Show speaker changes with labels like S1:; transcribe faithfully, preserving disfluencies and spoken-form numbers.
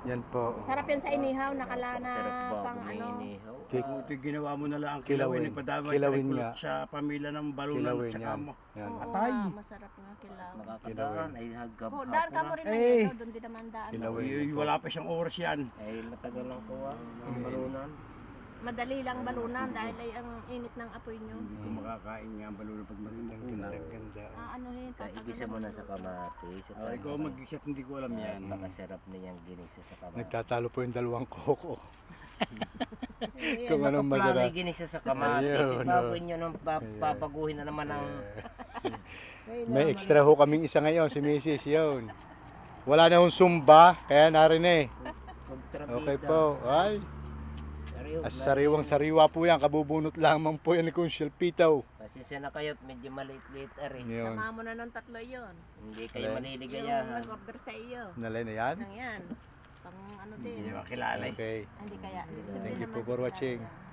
S1: Yan po.
S2: Sarap yan sa inihaw, nakalana
S3: Sarap ba
S2: pang
S3: kung may
S2: ano.
S3: inihaw?
S1: Kik-
S4: Buti ginawa mo na lang ang
S1: Kilawin.
S4: kilawin. Nagpadama
S1: Kilawin
S4: kulot
S1: nga.
S4: sa pamilya ng balunan
S1: Kilawin
S4: at saka
S1: yan.
S4: mo.
S1: Yan.
S2: Oo
S4: Atay.
S2: nga, masarap nga kilaw.
S3: Makakadaan ay hagkap
S2: Oh, daan ka mo rin
S4: Eh.
S2: eh. Doon din naman daan.
S1: Kilawin.
S4: Uy, wala pa siyang oras yan.
S3: Ay matagal lang po ah, ng
S1: Mm.
S3: balunan.
S2: Madali lang balunan dahil ay ang init ng apoy nyo.
S4: Hindi ko
S1: Mm.
S4: makakain nga ang balunan pag marinda.
S1: Ang ganda, ang ganda.
S2: Ah, ano yun?
S3: Kaya igisa mo na sa kamatis. at
S4: Ay ko
S3: saka-
S4: mag-isat, hindi ko alam yan.
S3: Napakasarap niyang ginisa sa kamatis.
S1: Nagtatalo po yung dalawang koko.
S3: Eh,
S1: kung anong
S3: nakaplano
S1: masarap.
S3: yung ginisa sa kamatis.
S1: Ayun,
S3: Bago
S1: no.
S3: nyo nang pa-
S1: Ayun.
S3: papaguhin na naman ang...
S1: May extra ho kaming isa ngayon, si Missus yun. Wala na hong sumba, kaya narin eh. Okay po. Ay, as sariwang sariwa po yan, kabubunot lamang po yan ni Kunsyel Pitaw.
S3: Pasensya na kayo at medyo maliit-liit ari.
S1: Yun.
S2: Sama mo na ng tatlo yun.
S3: Hindi kayo
S1: Alay.
S2: Yung
S3: maniligayahan.
S2: nag-order sa iyo.
S1: Nalay na yan?
S2: Nang yan. Pang ano
S4: Hindi
S2: din.
S4: niya makilala eh.
S1: Okay.
S2: Ah, Hindi kaya.
S3: Thank
S2: Siyempre
S1: you
S2: naman
S1: po for
S2: kilala
S1: watching.
S2: yan.